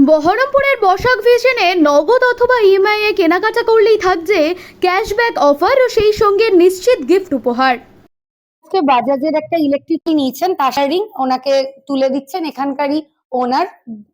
বহরমপুরের বসাক ভিশনে নগদ অথবা ইএমআই এ কেনাকাটা করলেই থাকছে ক্যাশব্যাক অফার ও সেই সঙ্গে নিশ্চিত গিফট উপহার। আজকে বাজাজের একটা ইলেকট্রিক নিয়েছেন তাসারিং, ওনাকে তুলে দিচ্ছেন এখানকারই ওনার।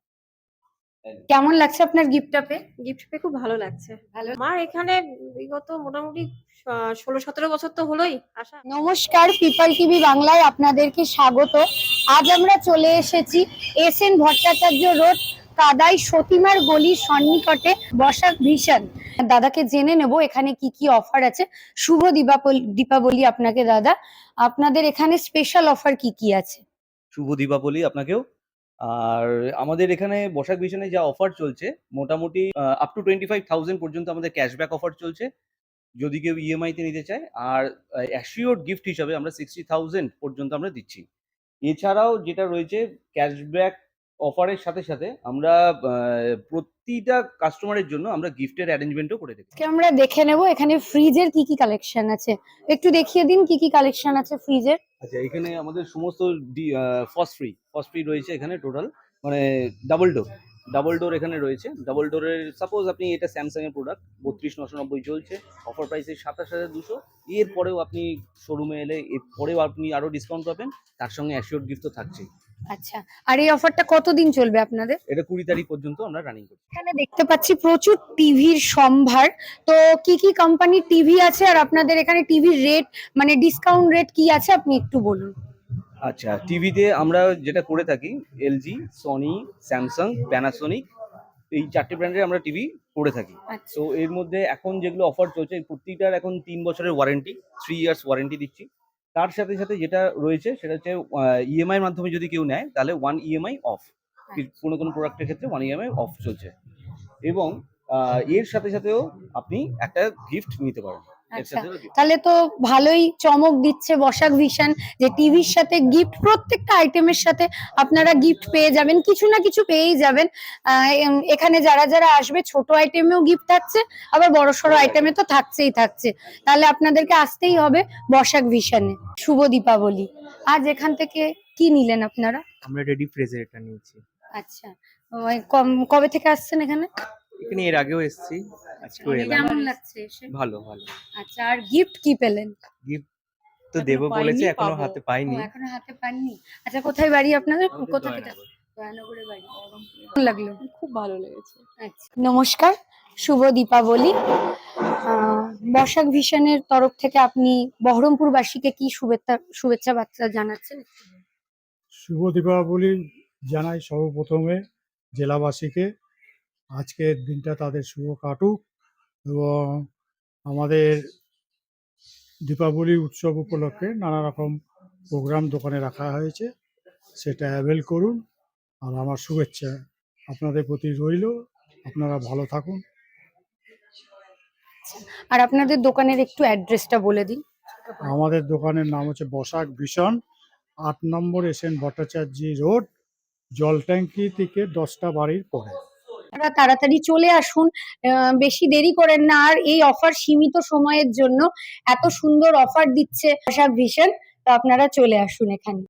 কেমন লাগছে আপনার গিফটটা পেয়ে? গিফট পেয়ে খুব ভালো লাগছে। ভালো। আমার এখানে বিগত মোটামুটি 16-17 বছর তো হলোই আসা। নমস্কার, পিপল টিভি বাংলায় আপনাদেরকে স্বাগত। আজ আমরা চলে এসেছি এসএন ভট্টাচার্য রোড, কাদাই সতীমার গলির সন্নিকটে বসাক ভিশন। দাদাকে জেনে নেব এখানে কি কি অফার আছে। শুভ দীপাবলি আপনাকে দাদা। আপনাদের এখানে স্পেশাল অফার কি কি আছে? শুভ দীপাবলি আপনাকেও। আর আমাদের এখানে বসাক ভিশনে যা অফার চলছে মোটামুটি আপ টু 25,000 পর্যন্ত আমাদের ক্যাশব্যাক অফার চলছে যদি কেউ ইএমআই তে নিতে চায়। আর অ্যাসিওরড গিফট হিসাবে আমরা 60,000 পর্যন্ত আমরা দিচ্ছি। এছাড়াও যেটা রয়েছে ক্যাশব্যাক অফারের সাথে সাথে আমরা প্রতিটা কাস্টমারের জন্য আমরা গিফটের অ্যারেঞ্জমেন্টও করে থাকি। আজকে আমরা দেখে নেব এখানে ফ্রিজের কি কি কালেকশন আছে। একটু দেখিয়ে দিন কি কি কালেকশন আছে ফ্রিজের। আচ্ছা, এখানে আমাদের সমস্ত ফস ফ্রি রয়েছে এখানে টোটাল, মানে ডাবল ডোর এখানে রয়েছে। ডাবল ডোরের সাপোজ আপনি এটা স্যামসাং এর প্রোডাক্ট 32,990 চলছে, অফার প্রাইসে 27,200। এরপরেও আপনি শোরুমে এলে এরপরেও আপনি আরো ডিসকাউন্ট পাবেন, তার সঙ্গে অ্যাসিওর গিফট তো থাকছেই। আচ্ছা, আর এই অফারটা কতদিন চলবে আপনাদের? এটা 20 তারিখ পর্যন্ত আমরা রানিং করছি। এখানে দেখতে পাচ্ছি প্রচুর টিভির সম্ভার। তো কি কি কোম্পানির টিভি আছে আর আপনাদের এখানে টিভির রেট, মানে ডিসকাউন্ট রেট কি আছে আপনি একটু বলুন। আচ্ছা, টিভিতে আমরা যেটা করে থাকি এলজি, সনি, স্যামসাং, প্যানাসোনিক, এই 4টে ব্র্যান্ডের আমরা টিভি করে থাকি। আচ্ছা। তো এর মধ্যে এখন যেগুলো অফার চলছে প্রত্যেকটার এখন 3 বছরের ওয়ারেন্টি, 3 ইয়ার্স ওয়ারেন্টি দিচ্ছি। তার সাথে সাথে যেটা রয়েছে সেটা হচ্ছে ইএমআই এর মাধ্যমে যদি কেউ নেয় তাহলে 1 ইএমআই অফ। কোনো প্রোডাক্টের ক্ষেত্রে 1 ইএমআই অফ চলছে। এবং এর সাথে সাথেও আপনি একটা গিফট নিতে পারেন। আচ্ছা, তাহলে তো ভালোই চমক দিচ্ছে বসাক ভিশন, যে টিভির সাথে গিফট, প্রত্যেকটা আইটেমের সাথে আপনারা গিফট পেয়ে যাবেন, কিছু না কিছু পেয়েই যাবেন। এখানে যারা যারা আসবে ছোট আইটেমেও গিফট থাকছে, আবার বড় সড়ো আইটেমে তো থাকছে। তাহলে আপনাদেরকে আসতেই হবে বসাক ভিশনে। শুভ দীপাবলি। আজ এখান থেকে কি নিলেন আপনারা? আমরা রেডি ফ্রেজের এটা নিয়েছি। আচ্ছা, কবে থেকে আসছেন এখানে? এখানে এর আগেও এসেছি, আজকেও এলাম। কেমন লাগছে এসে? ভালো ভালো। আচ্ছা, আর গিফট কি পেলেন? গিফট তো দেবো বলেছে, এখনো হাতে পাইনি। এখনো হাতে পাননি? আচ্ছা, কোথায় বাড়ি আপনাদের? কোথা থেকে? দয়ানগরে বাড়ি। কেমন লাগলো? খুব ভালো লেগেছে। আচ্ছা, নমস্কার, শুভ দীপাবলি। বসাক ভিশনের তরফ থেকে আপনি বহরমপুরবাসীকে কি শুভেচ্ছা বার্তা জানাচ্ছেন? শুভ দীপাবলি জানাই সর্বপ্রথমে জেলাবাসীকে। আজকের দিনটা তাদের শুভ কাটুক এবং আমাদের দীপাবলি উৎসব উপলক্ষে নানা রকম প্রোগ্রাম দোকানে রাখা হয়েছে, সেটা অ্যাভেল করুন। আর আমার শুভেচ্ছা আপনাদের প্রতি রইল। আপনারা ভালো থাকুন। আর আপনাদের দোকানের একটু অ্যাড্রেসটা বলে দিন। আমাদের দোকানের নাম হচ্ছে বসাক ভিশন, 8 নম্বর এসএন ভট্টাচার্য রোড, জল ট্যাঙ্কি থেকে 10টা বাড়ির পরে। আপনারা তাড়াতাড়ি চলে আসুন, বেশি দেরি করেন না। আর এই অফার সীমিত সময়ের জন্য, এত সুন্দর অফার দিচ্ছে বসাক ভিশন, তো আপনারা চলে আসুন এখানে।